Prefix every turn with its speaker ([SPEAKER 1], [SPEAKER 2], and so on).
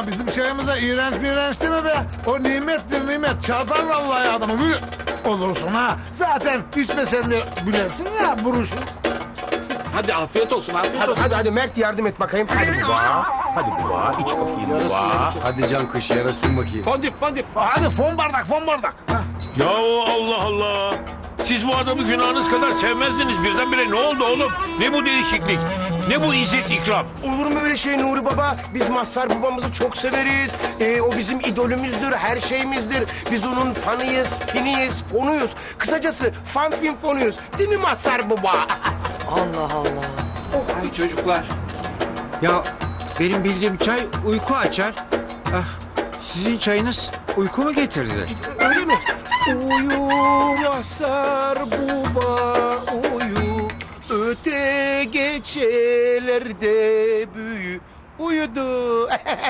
[SPEAKER 1] bizim çayımıza iğrenç değil mi be? O nimettir nimet. Çarpar vallahi adamı. Böyle olursun ha. Zaten içmesen de bilesin ya buruşu.
[SPEAKER 2] Hadi afiyet olsun, afiyet
[SPEAKER 3] Hadi,
[SPEAKER 2] olsun.
[SPEAKER 3] hadi Mert yardım et bakayım. Hadi baba. Hadi baba. İç bakayım baba.
[SPEAKER 4] Hadi can kuş yarasın bakayım.
[SPEAKER 2] Fondip, fondip.
[SPEAKER 1] Hadi fon bardak. Ha.
[SPEAKER 5] Ya Allah Allah. Siz bu adamı günahınız kadar sevmezdiniz. Birdenbire ne oldu oğlum? Ne bu değişiklik? Ne bu izzet ikram?
[SPEAKER 3] Olur mu öyle şey Nuri Baba? Biz Mazhar babamızı çok severiz. O bizim idolümüzdür, her şeyimizdir. Biz onun fanıyız, finiyiz, fonuyuz. Kısacası fan fin fonuyuz. Değil mi Mazhar Baba?
[SPEAKER 6] Allah Allah.
[SPEAKER 4] Ay çocuklar. Ya benim bildiğim çay uyku açar. Ah, sizin çayınız uyku mu getirdi?
[SPEAKER 3] Öyle mi? Uyu Mazhar Baba, uyu. Öte geçelerde büyü. Uyudu.